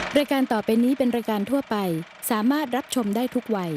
รายการต่อไปนี้เป็นรายการทั่วไปสามารถรับชมได้ทุกวัย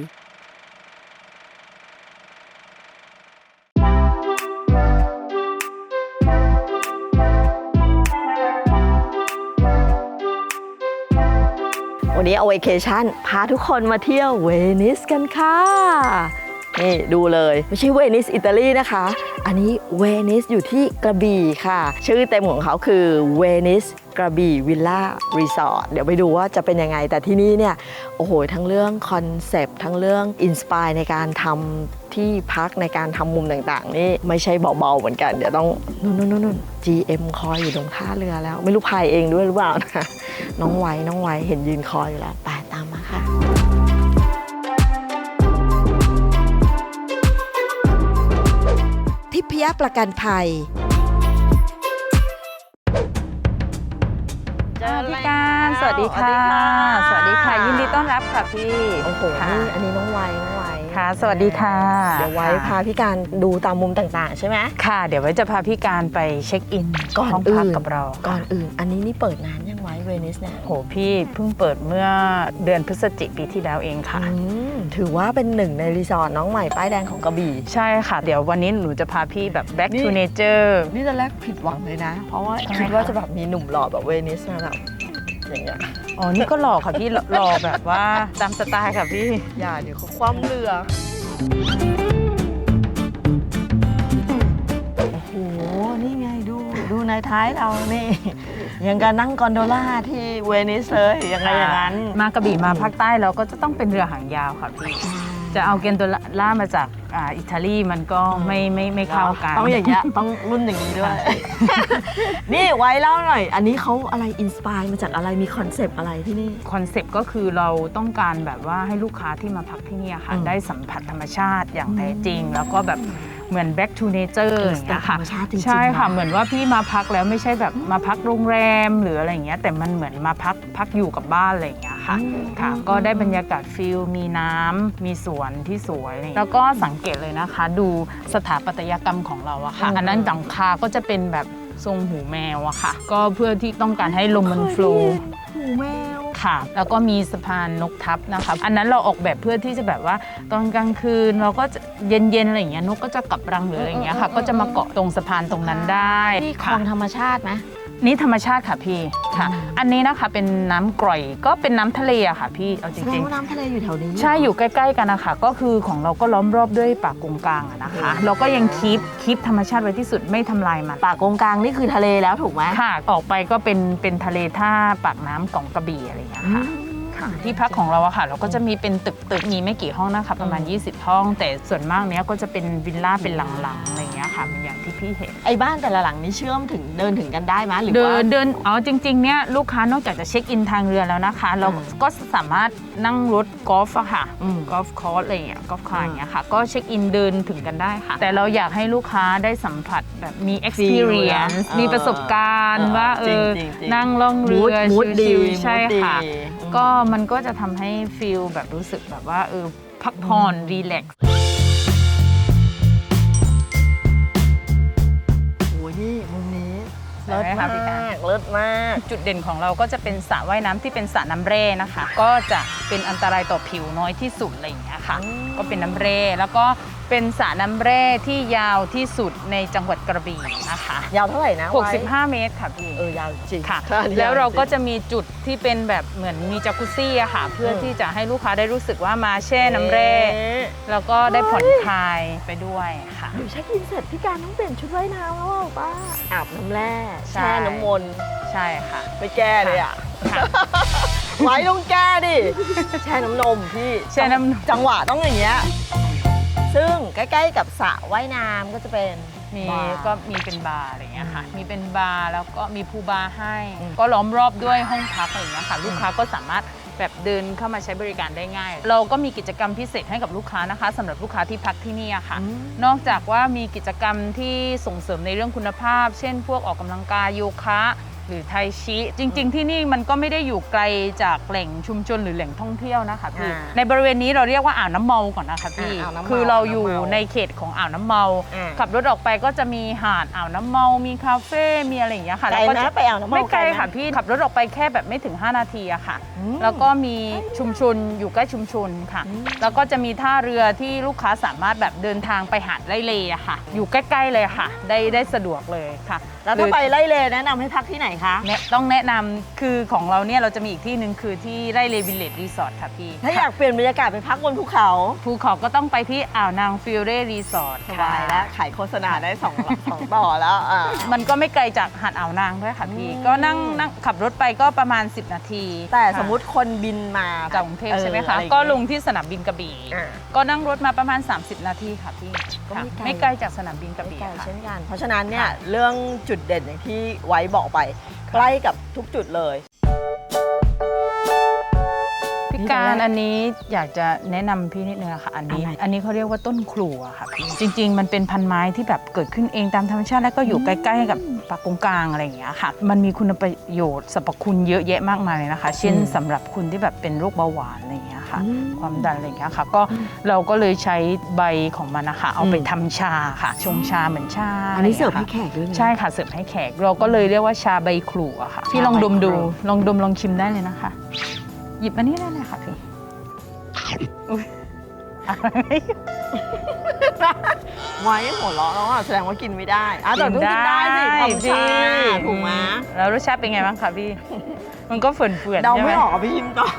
วันนี้เอาเวเคชั่นพาทุกคนมาเที่ยวเวนิสกันค่ะนี่ดูเลยไม่ใช่เวนิสอิตาลีนะคะอันนี้เวนิสอยู่ที่กระบี่ค่ะชื่อเต็มของเขาคือเวนิสกระบี่วิลล่ารีสอร์ทเดี๋ยวไปดูว่าจะเป็นยังไงแต่ที่นี่เนี่ยโอ้โหทั้งเรื่องคอนเซปต์ทั้งเรื่องอินสปายในการทำที่พักในการทำมุมต่างๆนี่ไม่ใช่เบาๆเหมือนกันเดี๋ยวต้องนู่น GM คอยอยู่ตรงท่าเรือแล้วไม่รู้พายเองด้วยหรือเปล่านะน้องไว้เห็นยืนคอยอยู่แล้วไปตามมาค่ะทิพยประกันภัยพี่การสวัสดีค่ะสวัสดีค่ะยินดีต้อนรับค่ะพี่โอ้โหนี่อันนี้น้องไว้ค่ะสวัสดีค่ะเดี๋ยวไว้พาพี่การดูตามมุมต่างๆใช่ไหมค่ะเดี๋ยวไว้จะพาพี่การไปเช็คอินห้องพักกับเราก่อนอื่นอันนี้นี่เปิดนานยังไว้เวนิสเนี่ยโหพี่เพิ่งเปิดเมื่อเดือนพฤศจิกายนปีที่แล้วเองค่ะถือว่าเป็นหนึ่งในรีสอร์ทน้องใหม่ป้ายแดงของกระบี่ใช่ค่ะเดี๋ยววันนี้หนูจะพาพี่แบบ back to nature นี่ตอนแรกผิดหวังเลยนะเพราะว่าคิดว่าจะแบบมีหนุ่มหล่อแบบเวนิสมาแบบอย่างเงี้ยอ๋อนี่ก็หล่อค่ะพี่หล่อแบบว่าตามสไตล์ค่ะพี่อย่าเดี๋ยวเขาคว่ำเรือโอ้โหนี่ไงดูในท้ายเรานี่ยังการนั่งกอนโดล่าที่เวนิสเลยยังไงอย่างนั้นมากระบี่มาภาคใต้เราก็จะต้องเป็นเรือหางยาวค่ะพี่จะเอาเกนโดล่ามาจากอิตาลีมันก็ไม่เข้ากันต้องอย่างเงี้ยต้องรุ่นอย่างนี้ด้วยนี่ไว้เล่าหน่อยอันนี้เขาอะไรอินสปายมาจากอะไรมีคอนเซปต์อะไรที่นี่คอนเซปต์ก็คือเราต้องการแบบว่าให้ลูกค้าที่มาพักที่นี่ค่ะได้สัมผัสธรรมชาติอย่างแท้จริงแล้วก็แบบเหมือน back to nature อย่างเงี้ยค่ะใช่ค่ะเหมือนว่าพี่มาพักแล้วไม่ใช่แบบมาพักโรงแรมหรืออะไรอย่างเงี้ยแต่มันเหมือนมาพักอยู่กับบ้านอะไรอย่างเงี้ยค่ะก็ได้บรรยากาศฟิลมีน้ำมีสวนที่สวยแล้วก็สังเกตเลยนะคะดูสถาปัตยกรรมของเราอะค่ะอันนั้นหลังคาก็จะเป็นแบบทรงหูแมวอะค่ะก็เพื่อที่ต้องการให้ลมมันโฟลว์หูแมวค่ะแล้วก็มีสะพานนกทับนะคะอันนั้นเราออกแบบเพื่อที่จะแบบว่าตอนกลางคืนเราก็เย็นๆอะไรอย่างเงี้ยนกก็จะกลับรังหรืออะไรอย่างเงี้ยค่ะก็จะมาเกาะตรงสะพานตรงนั้นได้ที่คลองธรรมชาติไหมนี่ธรรมชาติค่ะพี่ค่ะอันนี้นะคะเป็นน้ำกร่อยก็เป็นน้ำทะเลอะค่ะพี่เอาจริงๆน้ำทะเลอยู่แถวนี้ใช่อยู่ใกล้ๆกันนะคะก็คือของเราก็ล้อมรอบด้วยป่ากงกลางนะคะเราก็ยังคีปธรรมชาติไว้ที่สุดไม่ทำลายมันป่ากงกลางนี่คือทะเลแล้วถูกไหมค่ะออกไปก็เป็นทะเลท่าปากน้ำของกระบี่อะไรอย่างเงี้ยค่ะที่พักของเราอะค่ะเราก็จะมีเป็นตึกมีไม่กี่ห้องนะคะประมาณ20ห้องแต่ส่วนมากเนี้ยก็จะเป็นวิลล่าเป็นหลังๆอะไรอย่างเงี้ยค่ะอย่างที่พี่เห็นไอ้บ้านแต่ละหลังนี้เชื่อมถึงเดินถึงกันได้ไหมหรือว่าเดินอ๋อจริงๆเนี้ยลูกค้านอกจากจะเช็คอินทางเรือแล้วนะคะเราก็สามารถนั่งรถกอล์ฟอะค่ะกอล์ฟคอร์สอะไรอย่างเงี้ยกอล์ฟคาร์อย่างเงี้ยค่ะก็เช็คอินเดินถึงกันได้ค่ะแต่เราอยากให้ลูกค้าได้สัมผัสแบบมี experience มีประสบการณ์ว่านั่งล่องเรือชิลๆใช่ค่ะก็มันก็จะทำให้ฟีลแบบรู้สึกแบบว่าพักผ่อนรีแลกซ์โอ้ยนี่มุมนี้เลิศมากจุดเด่นของเราก็จะเป็นสระว่ายน้ำที่เป็นสระน้ำแร่นะคะก็จะเป็นอันตรายต่อผิวน้อยที่สุดอะไรอย่างเงี้ยค่ะก็เป็นน้ำแร่แล้วก็เป็นสระน้ำแร่ที่ยาวที่สุดในจังหวัดกระบี่นะคะยาวเท่าไหร่นะ 65เมตรค่ะพี่ยาวจริงค่ะแล้วเราก็จะมีจุดที่เป็นแบบเหมือนมีจากุซซี่อะค่ะเพื่อที่จะให้ลูกค้าได้รู้สึกว่ามาแช่น้ำแร่แล้วก็ได้ผ่อนคลายไปด้วยค่ะเดี๋ยวเช็คอินเสร็จพี่การต้องเปลี่ยนชุดว่ายน้ำแล้วป้าอาบน้ำแร่แช่น้ำมนต์ใช่ค่ะไปแก้เลยอะไว้ต้องแก้ดิแช่น้ำนมพี่แช่น้ำจังหวะต้องอย่างเงี้ยซึ่งใกล้ๆกับสระว่ายน้ำก็จะเป็นมีเป็นบาร์อะไรอย่างเงี้ยค่ะมีเป็นบาร์แล้วก็มีพูลบาร์ให้ก็ล้อมรอบด้วยห้องพักอะไรอย่างเงี้ยค่ะลูกค้าก็สามารถแบบเดินเข้ามาใช้บริการได้ง่ายเราก็มีกิจกรรมพิเศษให้กับลูกค้านะคะสำหรับลูกค้าที่พักที่นี่ค่ะนอกจากว่ามีกิจกรรมที่ส่งเสริมในเรื่องคุณภาพเช่นพวกออกกำลังกายโยคะหรือไทชิจริง ๆ ที่นี่มันก็ไม่ได้อยู่ไกลจากแหล่งชุมชนหรือแหล่งท่องเที่ยวนะคะพี่ในบริเวณนี้เราเรียกว่าอ่าวน้ำเมาก่อนนะคะพี่คือเราอยู่ในเขตของอ่าวน้ำเมาขับรถออกไปก็จะมีหาดอ่าวน้ำเมามีคาเฟ่มีอะไรอย่างเงี้ยค่ะไกลนะไปอ่าวน้ำเมาไม่ไกลค่ะพี่ขับรถออกไปแค่แบบไม่ถึง5 นาทีอะค่ะแล้วก็มีชุมชนอยู่ใกล้ชุมชนค่ะแล้วก็จะมีท่าเรือที่ลูกค้าสามารถแบบเดินทางไปหาดไร่เลอะค่ะอยู่ใกล้ๆเลยค่ะได้สะดวกเลยค่ะแล้วถ้าไปไล่เลแนะนำให้พักที่ไหนคะต้องแนะนำคือของเราเนี่ยเราจะมีอีกที่หนึ่งคือที่ไร่เลวิลเลจรีสอร์ทค่ะพี่ถ้าอยากเปลี่ยนบรรยากาศไปพักบนภูเขาก็ต้องไปที่อ่าวนางฟิลเร่รีสอร์ทสบายแล้วขายโฆษณาได้2 ต่อแล้วมันก็ไม่ไกลจากหาดอ่าวนางด้วยค่ะพี่ก็นั่งขับรถไปก็ประมาณ10 นาทีแต่สมมุติคนบินมาจากกรุงเทพใช่ไหมคะก็ลงที่สนามบินกระบี่ก็นั่งรถมาประมาณ30 นาทีค่ะพี่ไม่ไกลจากสนามบินกระบี่เช่นกันเพราะฉะนั้นเนี่ยเรื่องจุดเด่นอย่างที่ไว้บอกไปใกล้กับทุกจุดเลยพี่การอันนี้อยากจะแนะนำพี่นิดนึงค่ะอันนี้เขาเรียกว่าต้นครัวค่ะพี่จริงๆมันเป็นพันไม้ที่แบบเกิดขึ้นเองตามธรรมชาติแล้วก็อยู่ใกล้ๆกับปากกงกลางอะไรอย่างเงี้ยค่ะมันมีคุณประโยชน์สรรพคุณเยอะแยะมากมายเลยนะคะเช่นสำหรับคุณที่แบบเป็นโรคเบาหวานอะไรอย่างเงี้ยค่ะความดันอะไรอย่างเงี้ยค่ะก็เราก็เลยใช้ใบของมันนะคะเอาไปทำชาค่ะชงชาเหมือนชาอันนี้เสิร์ฟให้แขกด้วยใช่ค่ะเสิร์ฟให้แขกเราก็เลยเรียกว่าชาใบครูอะค่ะพี่ลองดมดูลองชิมได้เลยนะคะหยิบอันนี้ได้เลยค่ะพี่ไว้หัวเราะแล้วแสดงว่ากินไม่ได้แต่ต้องกินได้สิทำชาถูกไหมแล้วรสชาติเป็นไงบ้างคะพี่มันก็เฟื่อนเดาไม่ออกพี่ชิมก่อน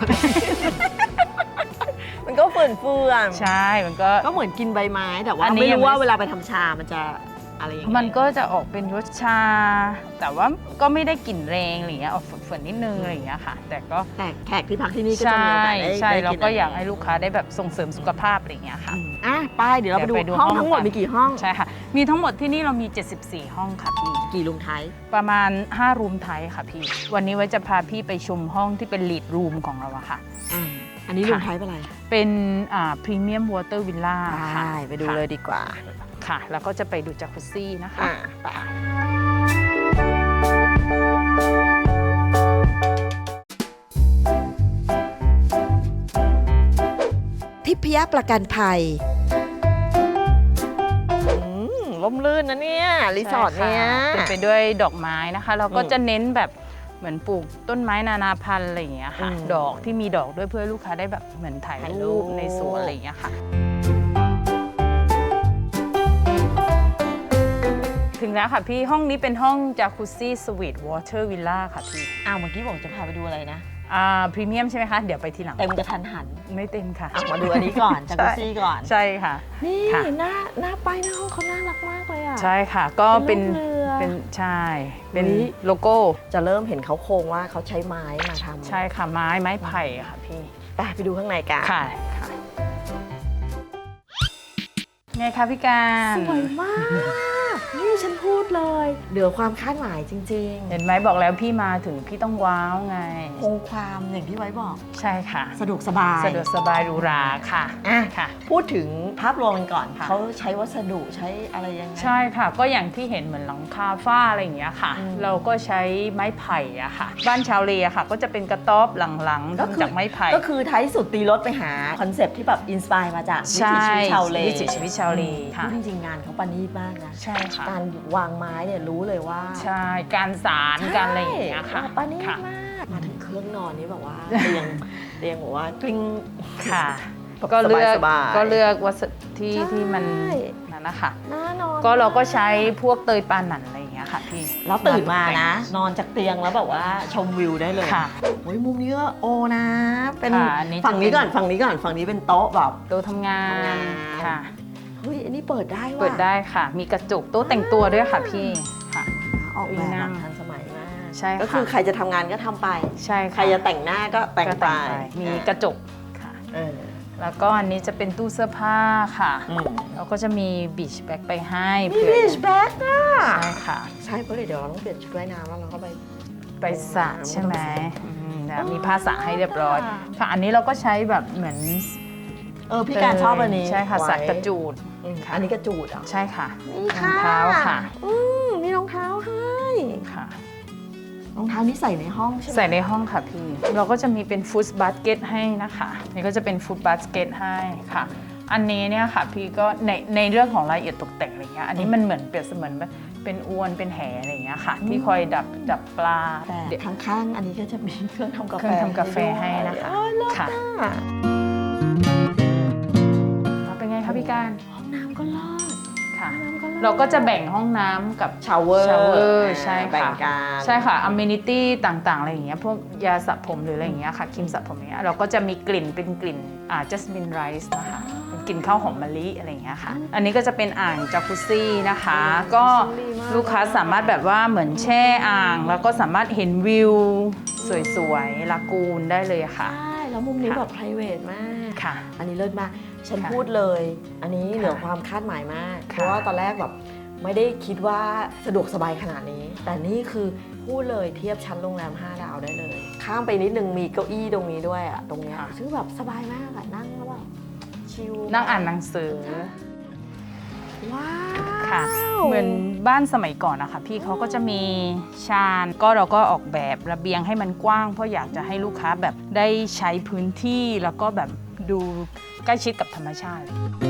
มันก็เฟื่อนใช่มันก็เหมือนกินใบไม้แต่ว่าไม่รู้ว่าเวลาไปทำชามันจะอะไรอย่างเงี้ยมันก็จะออกเป็นรสชาแต่ว่าก็ไม่ได้กลิ่นแรงอะไรเงี้ยออกเฟื่อนนิดนึงอะไรอย่างเงี้ยค่ะแต่แขกที่พักที่นี่ก็จะมีโอกาสใช่เราก็อยากให้ลูกค้าได้แบบส่งเสริมสุขภาพอะไรเงี้ยค่ะไปเดี๋ยวเราไปดูห้องทั้งหมดมีกี่ห้องใช่ค่ะมีทั้งหมดที่นี่เรามี74 ห้องค่ะพี่กี่รูมไทป์ประมาณ5 รูมไทป์ค่ะพี่วันนี้ไว้จะพาพี่ไปชมห้องที่เป็นลีดรูมของเราอะค่ะอันนี้รูมไทป์เป็นอะไรเป็นพรีเมียมวอเตอร์วิลล่าค่ะไปดูเลยดีกว่าค่ะแล้วก็จะไปดูจักรุซซี่นะคะทิพยประกันภัยร่มรื่นนะเนี่ยรีสอร์ทเนี่ยเป็นไปด้วยดอกไม้นะคะเราก็จะเน้นแบบเหมือนปลูกต้นไม้นานาพันธุ์อะไรอย่างเงี้ยค่ะดอกที่มีดอกด้วยเพื่อลูกค้าได้แบบเหมือนถ่ายรูปในสวนอะไรอย่างเงี้ยค่ะถึงแล้วค่ะพี่ห้องนี้เป็นห้องจากุซซี่สวีทวอเตอร์วิลล่าค่ะพี่เมื่อกี้บอกจะพาไปดูอะไรนะพรีเมียมใช่ไหมคะเดี๋ยวไปทีหลังเต็มกระทันหันไม่เต็มค่ะมาดูอันนี้ก่อนจากุซซี่ก่อนใช่ค่ะนี่หน้าป้ายหน้าห้องเขาน่ารักมากเลยใช่ค่ะก็เป็นใช่เป็นโลโก้จะเริ่มเห็นเขาโครงว่าเขาใช้ไม้มาทำใช่ค่ะไม้ไผ่ค่ะพี่ไปดูข้างในกันค่ะไงคะพี่การสวยมากนี่ฉันพูดเลยเหนือความคาดหมายจริงๆเห็นไหมบอกแล้วพี่มาถึงพี่ต้องว้าวไงคงความอย่างที่ไว้บอกใช่ค่ะสะดวกสบายหรูหราค่ะค่ะพูดถึงภาพรวมกันก่อนเขาใช้วัสดุใช้อะไรยังไงใช่ค่ะก็อย่างที่เห็นเหมือนหลังคาฝ้าอะไรอย่างเงี้ยค่ะเราก็ใช้ไม้ไผ่อะค่ะบ้านชาวเลค่ะก็จะเป็นกระต๊อบหลังๆทำจากไม้ไผ่ก็คือท้ายสุดตีรถไปหาคอนเซปต์ที่แบบอินสปายมาจากวิถีชีวิตชาวเลวิถีชีวิตชาวเลพูดจริงๆงานเขาปณีตมากนะใช่ค่ะการวางไม้เนี่ยรู้เลยว่าใช่การสารการอะไรอย่างเงี้ยค่ะปณีตมากมาถึงเครื่องนอนนี่แบบว่าเตียงบอกว่ากลิ้งค่ะก็เลือกวัสดุที่มันนั่นนะคะก็เราก็ใช้พวกเตยปาหนันอะไรอย่างเงี้ยค่ะพี่แล้วตื่นมานะนอนจากเตียงแล้วแบบว่าชมวิวได้เลยค่ะโอ้ยมุมนี้ก็โอนะเป็นฝั่งนี้ก่อนฝั่งนี้เป็นโต๊ะแบบโต๊ะทำงานค่ะเฮ้ยอันนี้เปิดได้ว่ะเปิดได้ค่ะมีกระจกโต๊ะแต่งตัวด้วยค่ะพี่ค่ะออกแบบทันสมัยมากใช่ก็คือใครจะทำงานก็ทำไปใช่ใครจะแต่งหน้าก็แต่งไปมีกระจกค่ะแล้วก็อันนี้จะเป็นตู้เสื้อผ้าค่ะแล้วก็จะมีบีชแบ็กไปให้มีบีชแบ็กอ่ะใช่ค่ะใช่เพราะเดี๋ยวเราต้องเปลี่ยนชุดว่ายน้ำแล้วเราก็ไปสระใช่ไหมมีผ้าสระให้เรียบร้อยค่ะอันนี้เราก็ใช้แบบเหมือนพี่การชอบอันนี้ใช่ค่ะสระกระจูดอันนี้กระจูดอ่ะใช่ค่ะรองเท้าค่ะมีรองเท้าให้ค่ะรองเท้านี่ใส่ในห้องใช่ไหมใส่ในห้องค่ะพี่ เราก็จะมีเป็นฟู้ดบาสเกตให้นะคะนี่ก็จะเป็นฟู้ดบาสเกตให้ค่ะ อันนี้เนี่ยค่ะพี่ก็ในเรื่องของรายละเอียดตกแต่งอะไรเงี้ยอันนี้มันเหมือนเปรียบเสมือนเป็นอวนเป็นแหอะไรเงี้ยค่ะ ที่คอยดับปลาแต่ข้างๆอันนี้ก็จะมีเครื่องทำกาเคแฟรื่องทำกาแฟให้นะคะค่ะเป็นไงคะพี่การห้องน้ำก็รอดค่ะ เราก็จะแบ่งห้องน้ำกับชาวเวอร์ shower ใช่แบ่งค่ะกันใช่ค่ะอ m เมนิตี้ต่างๆอะไรอย่างเงี้ยพวกยาสระผมหรืออะไรอย่างเงี้ยค่ะครีมสระผมอย่างเงี้ยเราก็จะมีกลิ่นเป็นกลิ่นจัสมินไรซ์นะคะเป็นกลิ่นข้าวหอมมะลิอะไรอย่างเงี้ยค่ะอันนี้ก็จะเป็นอ่างจากุซซี่นะคะ ก็ลูกค้าสามารถแบบว่าเหมือนแช่อ่าง แล้วก็สามารถเห็นวิวสวยๆลากูนได้เลยค่ะใช่แล้วมุมนี้แบบ private มากค่ะอันนี้เลิศมากฉันค่ะพูดเลย อันนี้ค่ะเหนือความคาดหมายมาก เพค่ะราะว่าตอนแรกแบบไม่ได้คิดว่าสะดวกสบายขนาดนี้ แต่นี่คือพูดเลยเทียบชั้นโรงแรม 5 ดาวได้เลย ข้ามไปนิดนึงมีเก้าอี้ตรงนี้ด้วยอะตรงเนี้ยซึ่งแบบสบายมากอะนั่งแล้วแบบชิลนั่งอ่านหนังสือว้าวค่ะเหมือนบ้านสมัยก่อนนะคะพี่เขาก็จะมีชานก็เราก็ออกแบบระเบียงให้มันกว้าง เพราะอยากจะให้ลูกค้าแบบได้ใช้พื้นที่แล้วก็แบบดูใกล้ชิดกับธรรมชาติ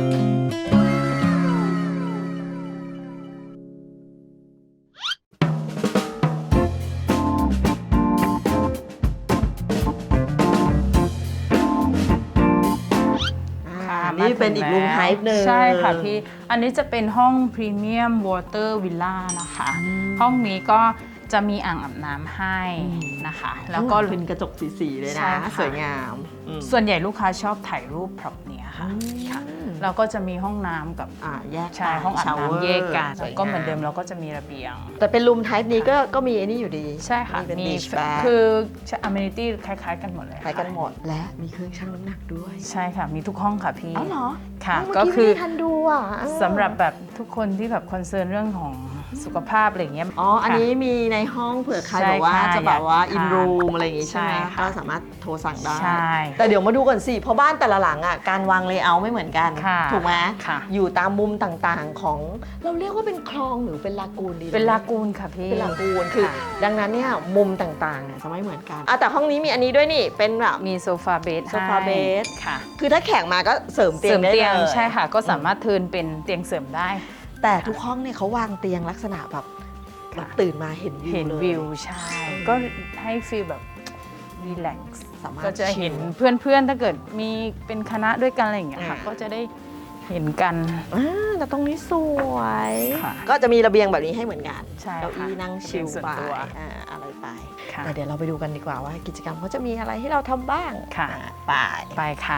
นี่เป็นอีกรูมไทป์หนึ่งใช่ค่ะพี่ อันนี้จะเป็นห้องพรีเมียมวอเตอร์วิลล่านะคะ ห้องนี้ก็จะมีอ่างอาบน้ำให้นะคะ แล้วก็เป็นกระจกสีๆเลยใช่นะค่ะสวยงามอืมส่วนใหญ่ลูกค้าชอบถ่ายรูปพร็อพเนี้ยค่ะค่ะ เราก็จะมีห้องน้ำกับแยกใช่ห้องอาบชาววน้ำแยกกันสวยงาก็เหมือนเดิมเราก็จะมีระเบียงแต่เป็นรูมไทป์นี้ก็มีไอ้นี่อยู่ดีใช่ค่ะเป็นมีบีชแบร์คืออเมนิตี้คล้ายๆกันหมดเลยคล้ายกันหมดและมีเครื่องชั่งน้ำหนักด้วยใช่ค่ะ มีทุกห้องค่ะพี่อ๋อเหรอค่ะเมื่ก็กี้คือไม่ได้ทันดูอ่ะสำหรับแบบทุกคนที่แบบคอนเซิร์นเรื่องของสุขภาพอะไรอย่างเงี้ยอ๋ออันนี้ค่ะมีในห้องเผื่อใครใช่บอกว่าค่ะจะแบบว่าอยากอินทานรูมอะไรอย่างงี้ใช่ไหมใช่ค่ะก็สามารถโทรสั่งได้ใช่แต่เดี๋ยวมาดูก่อนสิ เพราะบ้านแต่ละหลังอ่ะการวางเลเยอร์ไม่เหมือนกันค่ะถูกไหมค่ะอยู่ตามมุมต่างๆของเราเรียกว่าเป็นคลองหรือเป็นลากูนดีเป็นลากูนค่ะพี่เป็นลากูนคือค่ะดังนั้นเนี่ยมุมต่างๆเนี่ยจะไม่เหมือนกันแต่ห้องนี้มีอันนี้ด้วยนี่เป็นแบบมีโซฟาเบดโซฟาเบดค่ะคือถ้าแขกมาก็เสริมเตีเสยริงมได้เตียงเลยใช่ค่ะ ก็สามารถเทิร์นเป็นเตียงเสริมได้แต่ทุกห้องเนี่ยเขาวางเตียงลักษณะแบบตื่นมาเห็นวิวเห็นเลยวิวใช่ ก็ให้ฟีลแบบรีแลกซ์สามารถก็จะเห็นชิลเพื่อนๆ ถ้าเกิดมีเป็นคณะด้วยกันอะไรอย่างเงี้ยค่ะ ก็จะได้เห็นกันแต่ตรงนี้สวยค่ะก็จะมีระเบียงแบบนี้ให้เหมือนกันใช่เก้าค่ะอี้นั่งชิลเป็นส่วนไปตัวอะไรไปค่ะแต่เดี๋ยวเราไปดูกันดีกว่าว่ากิจกรรมเขาจะมีอะไรให้เราทำบ้างค่ะไปไปค่ะ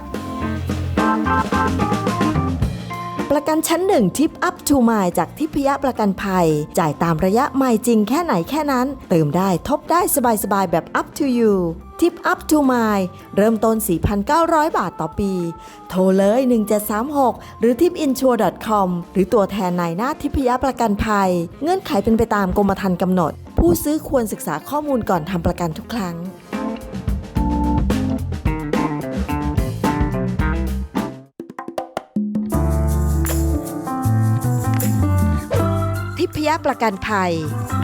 ประกันชั้นหนึ่งทิปอัพทูมายจากทิพยประกันภัย จ่ายตามระยะไมล์จริงแค่ไหนแค่นั้น เติมได้ทบได้สบายๆแบบ up to you ทิปอัพทูมายเริ่มต้น 4,900 บาทต่อปี โทรเลย 1736 หรือ tipinsure.com หรือตัวแทนนายหน้าทิพยประกันภัย เงื่อนไขเป็นไปตามกรมธรรม์กำหนด ผู้ซื้อควรศึกษาข้อมูลก่อนทำประกันทุกครั้ง ทิพยประกันภัย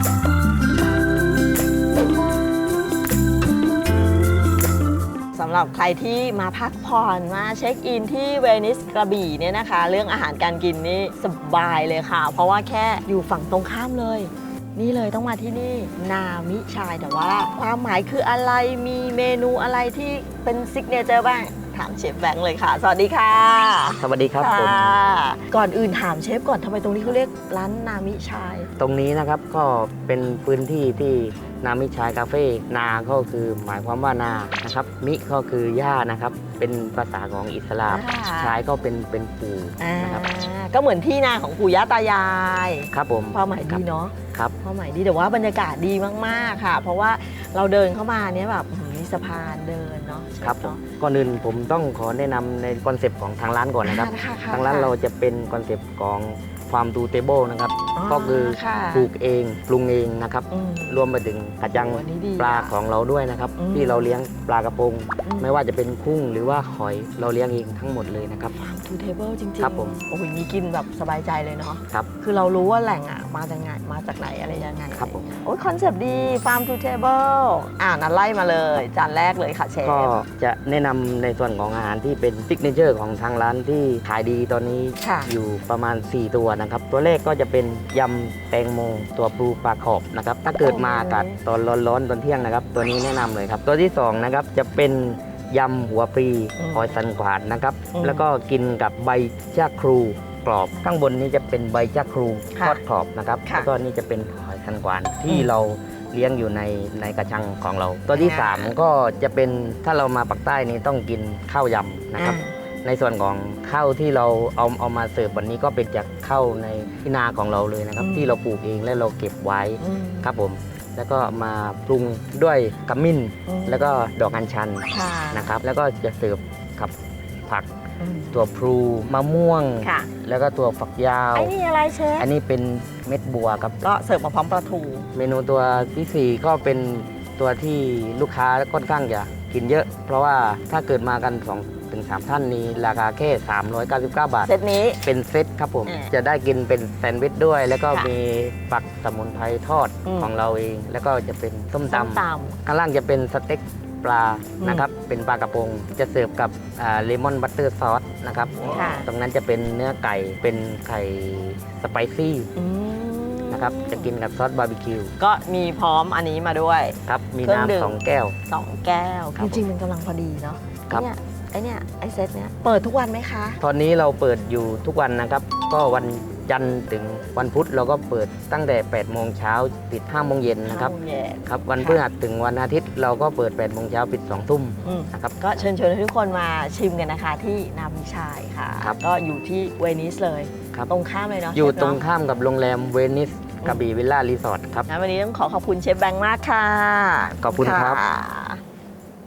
สำหรับใครที่มาพักผ่อนมาเช็คอินที่เวนิสกระบี่เนี่ยนะคะ เรื่องอาหารการกินนี่สบายเลยค่ะ เพราะว่าแค่อยู่ฝั่งตรงข้ามเลย นี่เลยต้องมาที่นี่นามิชายแต่ว่าความหมายคืออะไรมีเมนูอะไรที่เป็นซิกเนเจอร์บ้างถามเชฟแบงค์เลยค่ะ สวัสดีค่ะสวัสดีครับผมค่ะก่อนอื่นถามเชฟก่อนทำไมตรงนี้เขาเรียกร้านนามิชายตรงนี้นะครับก็เป็นพื้นที่ที่นามิชายคาเฟ่นาก็คือหมายความว่านานะครับมิก็คือหญ้านะครับเป็นภาษาของอิสลามค่ะชายก็เป็นปู่นะครับก็เหมือนที่นาของปู่ย่าตายายครับผมความหมายดีเนาะครับความหมายดีแต่ว่าบรรยากาศดีมากๆค่ะ เพราะว่าเราเดินเข้ามาเนี้ยแบบมีสะพานเดินเนาะครับผมเนาะก่อนอื่นผมต้องขอแนะนำในคอนเซปต์ของทางร้านก่อนนะครับค่ะทางร้านเราจะเป็นคอนเซปต์ของฟาร์มทูเทเบิลนะครับ ก็คือค่ะปลูกเองปรุงเองนะครับอืมรวมไปถึงกระจังโอ้อันนี้ดีปลาอะของเราด้วยนะครับอืมที่เราเลี้ยงปลากระพงอืมไม่ว่าจะเป็นกุ้งหรือว่าหอยเราเลี้ยงเองทั้งหมดเลยนะครับทูเทเบิลจริงๆครับผมโอ้โหนี่กินแบบสบายใจเลยเนาะครับคือเรารู้ว่าแหล่งอ่ะมาจากไหนมาจากไหนอะไรยังไงครับผมโอ้ยคอนเซปต์ดีฟาร์มทูเทเบิลนั้นไล่มาเลยจานแรกเลยค่ะเชฟก็จะแนะนำในส่วนของอาหารที่เป็นซิกเนเจอร์ของทางร้านที่ขายดีตอนนี้ค่ะอยู่ประมาณ 4 ตัวนะครับ ตัวแรกก็จะเป็นยำแตงโมตัวปูปลาขอบนะครับ ถ้าเกิดมาอากาศตอนร้อนๆตอนเที่ยงนะครับ ตัวนี้แนะนำเลยครับ ตัวที่2นะครับจะเป็นยำหัวปลีอืมหอยสันขวานนะครับอืมแล้วก็กินกับใบชะครูกรอบ ข้างบนนี้จะเป็นใบชะครูค่ะทอดกรอบนะครับค่ะแล้วก็นี่จะเป็นหอยสันขวานที่อืมเราเลี้ยงอยู่ในกระชังของเรา ตัวที่อ่า 3 ก็จะเป็นถ้าเรามาปักใต้นี้ต้องกินข้าวยำนะครับ ในส่วนของข้าวที่เราเอามาเสิร์ฟวันนี้ก็เป็นจากข้าวในที่นาของเราเลยนะครับอืมที่เราปลูกเองและเราเก็บไว้อืมครับผม แล้วก็มาปรุงด้วยขมิ้นอืมแล้วก็ดอกอัญชันค่ะนะครับ แล้วก็จะเสิร์ฟกับผักอืมตัวพลูมะม่วงค่ะแล้วก็ตัวฝักยาวไอ้นี่อะไรเชฟอันนี้เป็นเม็ดบัวครับก็เสิร์ฟมาพร้อมปลาทูเมนูตัวที่ 4 ก็เป็นตัวที่ลูกค้าค่อนข้างจะกินเยอะ เพราะว่าถ้าเกิดมากัน2-3 ท่านนี้ราคาแค่ 399 บาทเซตนี้เป็นเซตครับผมอ่าจะได้กินเป็นแซนด์วิชด้วย แล้วก็ค่ะมีฝักสมุนไพรทอดอืมของเราเอง แล้วก็จะเป็นส้มส้มตำตข้างล่างจะเป็นสเต็กปลาอืมนะครับ เป็นปลากระพง จะเสิร์ฟกับเลมอนบัตเตอร์ซอสนะครับค่ะตรงนั้นจะเป็นเนื้อไก่ เป็นไข่สไปซี่ำอืมนะครับ จะกินกับซอสบาร์บีคิวก็มีพร้อมอันนี้มาด้วยครับ มีเครื่องดื่มน้ำ2 แก้ว 2 แก้วครับจริงๆมันกำลังพอดีเนาะครับไอเซตเนี้ยเปิดทุกวันไหมคะตอนนี้เราเปิดอยู่ทุกวันนะครับ ก็วันจันทร์ถึงวันพุธเราก็เปิดตั้งแต่ 8 โมงเช้าปิด 5 โมงเย็นนะครับ 5 โมงเย็นครับ วันค่ะพฤหัสถึงวันอาทิตย์เราก็เปิด 8 โมงเช้าปิด 2 ทุ่มอืมนะครับก็เชิญชวนให้ทุกคนมาชิมกันนะคะที่นามิชายค่ะครับก็อยู่ที่เวนิสเลยครับตรงข้ามเลยเนาะอยู่เชฟตรงเนาะข้ามกับโรงแรมเวนิสกระบี่วิลล่ารีสอร์ทครับงั้นวันนี้ต้องขอบคุณเชฟแบงค์มากค่ะขอบคุณครับะ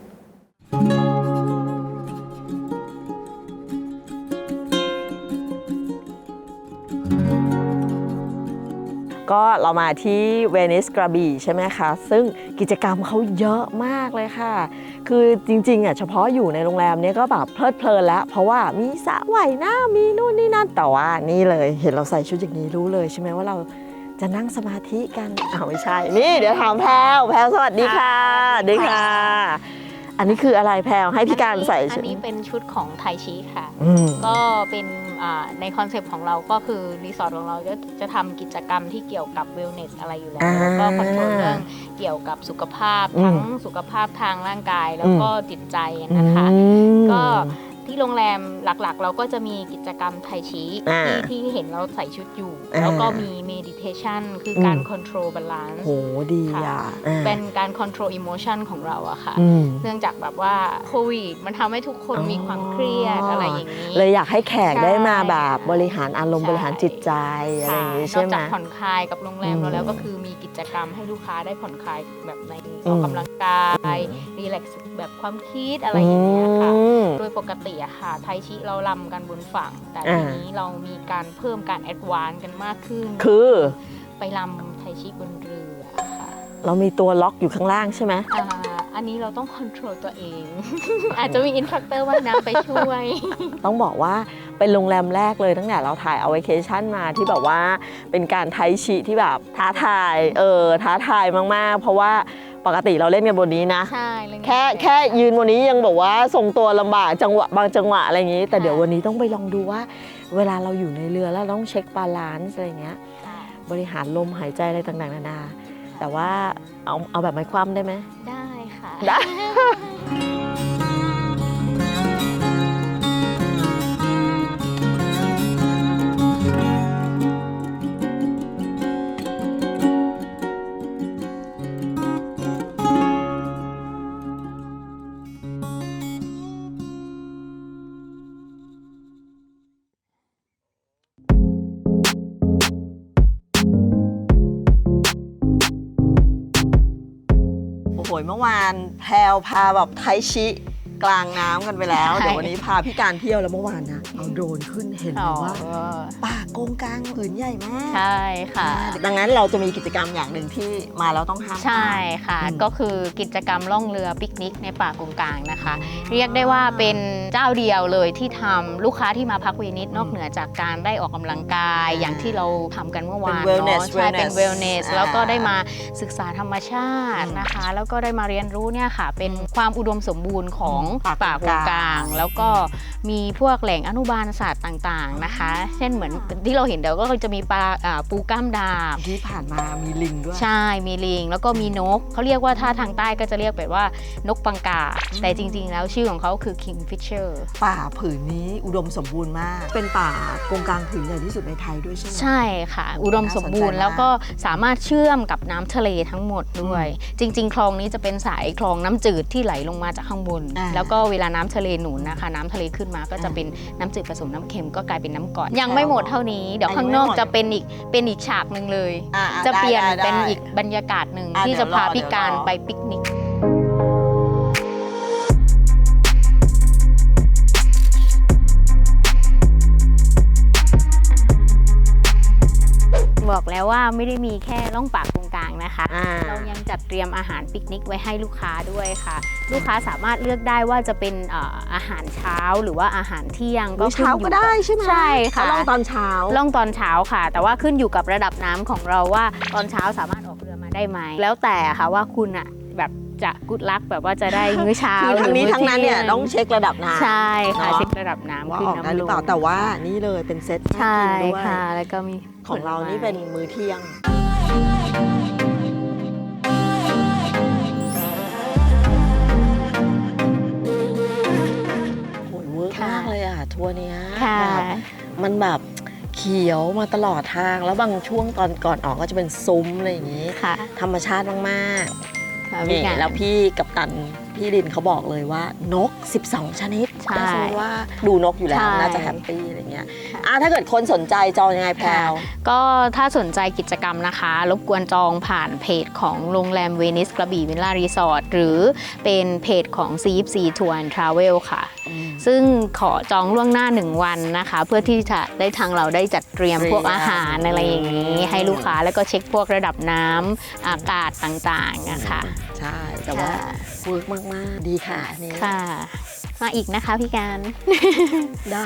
ก็เรามาที่เวนิสกระบี่ใช่ไหมคะ ซึ่งกิจกรรมเขาเยอะมากเลยค่ะ คือจริงๆอ่ะเฉพาะอยู่ในโรงแรมเนี้ยก็แบบเพลิดเพลินแล้ว เพราะว่ามีสระว่ายน้ำมีนู่นนี่นั่นแต่ว่านี่เลยเห็นเราใส่ชุดอย่างนี้รู้เลยใช่ไหมว่าเราจะนั่งสมาธิกันไม่ใช่ นี่เดี๋ยวถามแพรวสวัสดีค่ะสวัสดีค่ะอันนี้คืออะไรแพรวให้พี่การใส่อัชุดนนี้เป็นชุดของไทชิค่ะอืมก็เป็นในคอนเซปต์ของเราก็คือรีสอร์ทของเราจะทำกิจกรรมที่เกี่ยวกับเวลเนสอะไรอยู่แล้วอ่าแล้วก็คอนโทรลเรื่องเกี่ยวกับสุขภาพอืมทั้งสุขภาพทางร่างกายแล้วก็จิตใจนะคะอืมก็ที่โรงแรมหลักๆ เราก็จะมีกิจกรรมไทชิอ่าที่เห็นเราใส่ชุดอยู่อ่าแล้วก็มีเมดิเทชันคือการคอนโทรลบาลานซ์โหดีอ่ะอ่าเป็นการคอนโทรลอิโมชันของเราอะค่ะอืมเนื่องจากแบบว่าโควิดมันทำให้ทุกคนมีความเครียดอะไรอย่างนี้เลยอยากให้แขกได้มาแบบใช่บริหารอารมณ์ใช่บริหารจิตใจอะไรอย่างนี้นใช่อกไหมจากผ่อนคลายกับโรงแรมอืมเราแล้วก็คือมีกิจกรรมให้ลูกค้าได้ผ่อนคลายแบบในอือมอกกำลังกายรีแลกซ์แบบความคิดอะไรอย่างเงี้ยค่ะอืมโดยปกติอะค่ะไทชิเราลำกันบนฝั่ง แต่อ่าทีนี้เรามีการเพิ่มการแอดวานซ์กันมากขึ้นคือไปลำไทชิบนเรือค่ะเรามีตัวล็อกอยู่ข้างล่างใช่ไหมอันนี้เราต้องคอนโทรลตัวเอง อาจจะมีอินสตรัคเตอร์ว่ายน้ำไปช่วยต้องบอกว่าเป็นโรงแรมแรกเลยตั้งแต่เราถ่ายเอาไวเคชั่นมาที่แบบว่าเป็นการไทชิที่แบบท้าทายท้าทายมากๆ เพราะว่าปกติเราเล่นกันบนนี้นะใช่เรื่องนี้แค่ยืนบนนี้ยังบอกว่าทรงตัวลำบากจังหวะบางจังหวะอะไรอย่างนี้ แต่เดี๋ยววันนี้ต้องไปลองดูว่า เวลาเราอยู่ในเรือแล้วเราต้องเช็คบาลานซ์อะไรอย่างเงี้ยใช่บริหารลมหายใจอะไรต่างๆนานา แต่ว่าเอาแบบไม้คว่ำได้ไหมได้ค่ะได้ โอ้โหเมื่อวานแพรวพาแบบไทชิกลางน้ำกันไปแล้วใช่เดี๋ยววันนี้พาพี่การเที่ยวแล้วเมื่อวานนะเอาโดรนขึ้นเห็นเลยว่าป่าโกงกลางผืนใหญ่มากใช่ค่ะดังนั้นเราจะมีกิจกรรมอย่างหนึ่งที่มาแล้วต้องห้ามพลาดใช่ค่ะอืมก็คือกิจกรรมล่องเรือปิกนิกในป่ากงกลางนะคะ เรียกได้ว่าเป็นเจ้าเดียวเลยที่ทำลูกค้าที่มาพักเวนิสนอกเหนือจากการได้ออกกำลังกายอย่างที่เราทำกันเมื่อวานเป็น wellness เนาะใช่เป็น wellness อ่าแล้วก็ได้มาศึกษาธรรมชาตินะคะ แล้วก็ได้มาเรียนรู้เนี่ยค่ะ เป็นความอุดมสมบูรณ์ของป่ากงกลาง แล้วก็มีพวกแหล่งอนุบาลสัตว์ต่างๆนะคะ เช่นเหมือนที่เราเห็นเดี๋ยวก็จะมีปูกล้ามดาบที่ผ่านมามีลิงด้วยใช่ มีลิง แล้วก็มีนก เขาเรียกว่าถ้าทางใต้ก็จะเรียกแบบว่านกปังกา แต่จริงๆ แล้วชื่อของเขาคือ kingfisher ป่าผืนนี้อุดมสมบูรณ์มาก เป็นป่าโกงกลางผืนใหญ่ที่สุดในไทยด้วยใช่ไหมใช่ค่ะ อุดมสมบูรณ์น่าสนใจมากแล้วก็สามารถเชื่อมกับน้ำทะเลทั้งหมดด้วย จริง ๆ คลองนี้จะเป็นสายคลองน้ำจืดที่ไหลลงมาจากข้างบน แล้วก็เวลาน้ำทะเลหนุนนะคะ น้ำทะเลขึ้นมาก็จะเป็นน้ำจืดผสมน้ำเค็มก็กลายเป็นน้ำกร่อย ยังไม่หมดเท่านี้ เดี๋ยวข้างนอกจะเป็นอีกฉากหนึ่งเลย จะเปลี่ยนเป็นอีกบรรยากาศหนึ่งที่จะพาพี่การไปปิกนิก บอกแล้วว่าไม่ได้มีแค่ล่องป่ากงกลางนะคะ เรายังจัดเตรียมอาหารปิกนิกไว้ให้ลูกค้าด้วยค่ะ ลูกค้าสามารถเลือกได้ว่าจะเป็นอาหารเช้าหรือว่าอาหารเที่ยงก็ขึ้นเช้าอยู่ก็ได้ใช่ไหมใช่ค่ะเขาลองตอนเช้าล่องตอนเช้าค่ะ แต่ว่าขึ้นอยู่กับระดับน้ำของเราว่าตอนเช้าสามารถออกเรือมาได้ไหมแล้วแต่ค่ะว่าคุณอะแบบจะกุดลักแบบว่าจะได้มื้อเช้าคือทั้งนี้หรือมื้อทั้งนั้นเนี่ยที่ต้องเช็คระดับน้ำใช่ค่ะเนาะเช็คระดับน้ำว่าขึ้นออกได้น้ำหรือเปล่าลงแต่ว่านี่เลยเป็นเซตใช่น่ากินด้วยค่ะ แล้วก็มีของเรานี่เป็นมื้อเที่ยงโหยเวิร์กมากเลยอ่ะทัวร์เนี้ยค่ะแบบมันแบบเขียวมาตลอดทางแล้วบางช่วงตอนก่อนออกก็จะเป็นซุ้มอะไรอย่างนี้ค่ะธรรมชาติมากค่ะๆพี่นี่การแล้วพี่กัปตันพี่ลินเขาบอกเลยว่านก 12 ชนิดใช่ถ้าสมมติว่าดูนกอยู่แล้วใช่น่าจะแฮปปี้อะไรเงี้ยค่ะถ้าเกิดคนสนใจจองยังไงแพลวก็ถ้าสนใจกิจกรรมนะคะ รบกวนจองผ่านเพจของโรงแรมเวนิสกระบี่วิลล่ารีสอร์ทหรือเป็นเพจของ CFC Tour and Travel ค่ะ ซึ่งขอจองล่วงหน้า 1 วันนะคะ เพื่อที่จะได้ทางเราได้จัดเตรียมพวกอาหารอะไรอย่างนี้ ให้ลูกค้าแล้วก็เช็คพวกระดับน้ำอากาศต่างๆนะคะใช่ แต่ว่าค่ะเวิร์กมาก ๆ ดีค่ะอันนี่ค่ะ มาอีกนะคะพี่การได้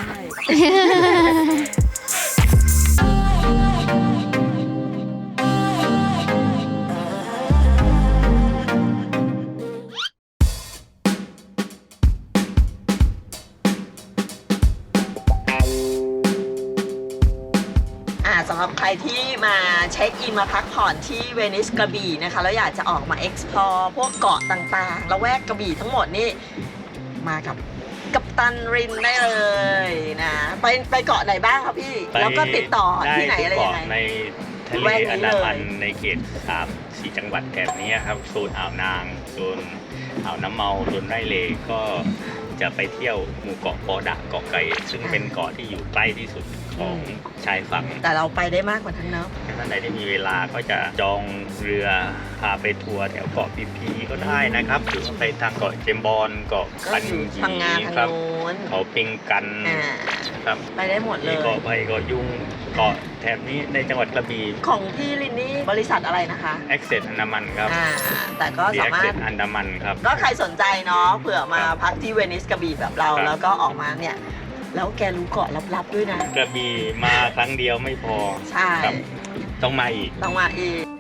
สำหรับใครที่มาเช็คอินมาพักผ่อนที่เวนิสกระบี่นะคะ แล้วอยากจะออกมา explore พวกเกาะต่างๆละแวกกระบี่ทั้งหมดนี่มากับกัปตันรินได้เลยนะไปเกาะไหนบ้างครับพี่ แล้วก็ติดต่อที่ไหนอะไรยังไงในทะเลอันดามันในเขต3-4 จังหวัดแถบนี้ครับโซนอ่าวนางโซนอ่าวน้ำเมาโซนไร่เลก็จะไปเที่ยวหมู่เกาะปอดะเกาะไก่ซึ่งเป็นเกาะที่อยู่ใกล้ที่สุดของชายฝั่งแต่เราไปได้มากกว่าทั้งเนาะถ้าท่านใดที่มีเวลาก็จะจองเรือพาไปทัวร์แถวเกาะพีพีก็ได้นะครับหรือว่าไปทางเกาะเจมบอนเกาะก็คันอยู่ยีพังงาทางครับโน้นเขาปิงกันอ่าครับไปได้หมดเลมียเกาะไผ่เกาะยุงเกาะแถบนี้ในจังหวัดกระบี่ของพี่ลินนี่บริษัทอะไรนะคะ Access อันดามันครับแต่ก็ The สามารถ Access อันดามันครับก็ใครสนใจเนาะเผื่อมาพักที่เวนิสกระบี่แบบเราครับแล้วก็ออกมาเนี่ย แล้วแกรู้เกาะลับๆด้วยนะกระบี่มาครั้งเดียวไม่พอใช่ครับต้องมาอีกต้องมาอีก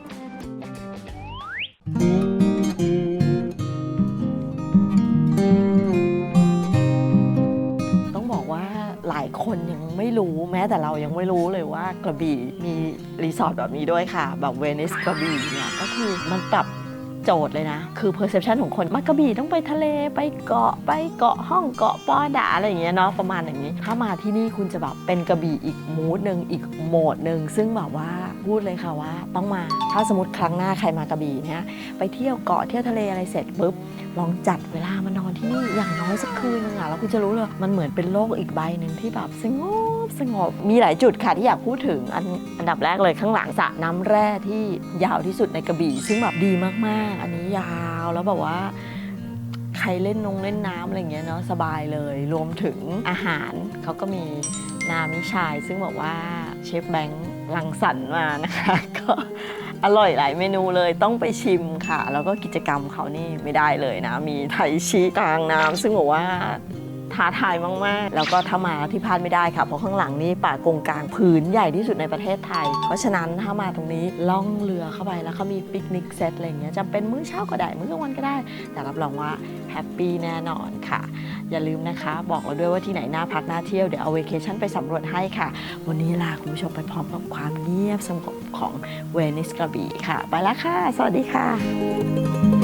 ต้องบอกว่าหลายคนยังไม่รู้แม้แต่เรายังไม่รู้เลยว่ากระบี่มีรีสอร์ทแบบนี้ด้วยค่ะ แบบเวนิสกระบี่เนี่ยก็คือมันปรับโจทย์เลยนะ คือ perception ของคนมากระบี่ต้องไปทะเลไปเกาะห้องเกาะปอดะอะไรอย่างเงี้ยเนาะประมาณอย่างนี้ ถ้ามาที่นี่คุณจะแบบเป็นกระบี่อีกมูดหนึ่งอีกโหมดหนึ่งซึ่งแบบว่าพูดเลยค่ะว่าต้องมาถ้าสมมติครั้งหน้าใครมากระบี่เนี่ยไปเที่ยวเกาะเที่ยวทะเลอะไรเสร็จปุ๊บลองจัดเวลามานอนที่นี่อย่างน้อยสักคืนนึงอะแล้วคุณจะรู้เลยมันเหมือนเป็นโลกอีกใบหนึ่งที่แบบสงบมีหลายจุดค่ะที่อยากพูดถึงอันดับแรกเลยข้างหลังสระน้ำแร่ที่ยาวที่สุดในกระบี่ซึ่งแบบดีมากๆ อันนี้ยาวแล้วแบบว่าใครเล่นน้ำอะไรอย่างเงี้ยเนาะสบายเลยรวมถึงอาหารเขาก็มีนามิชายซึ่งบอกว่าเชฟแบงค์รังสรรค์มานะคะก็อร่อยหลายเมนูเลยต้องไปชิมค่ะ แล้วก็กิจกรรมเขานี่ไม่ได้เลยนะมีไทชิกลางน้ำซึ่งบอกว่าท้าทายมากๆแล้วก็ถ้ามาที่พลาดไม่ได้ค่ะเพราะข้างหลังนี่ป่ากงกลางผืนใหญ่ที่สุดในประเทศไทยเพราะฉะนั้นถ้ามาตรงนี้ล่องเรือเข้าไปแล้วเขามีปิกนิกเซตอะไรอย่างเงี้ยจะเป็นมื้อเช้าก็ได้มื้อกลางวันก็ได้แต่รับรองว่าแฮปปี้แน่นอนค่ะอย่าลืมนะคะบอกเราด้วยว่าที่ไหนน่าพักน่าเที่ยวเดี๋ยวเอาเวเคชั่นไปสำรวจให้ค่ะวันนี้ลาคุณผู้ชมไปพร้อมกับความเงียบสงบของเวนิสกระบี่ค่ะไปแล้วค่ะสวัสดีค่ะ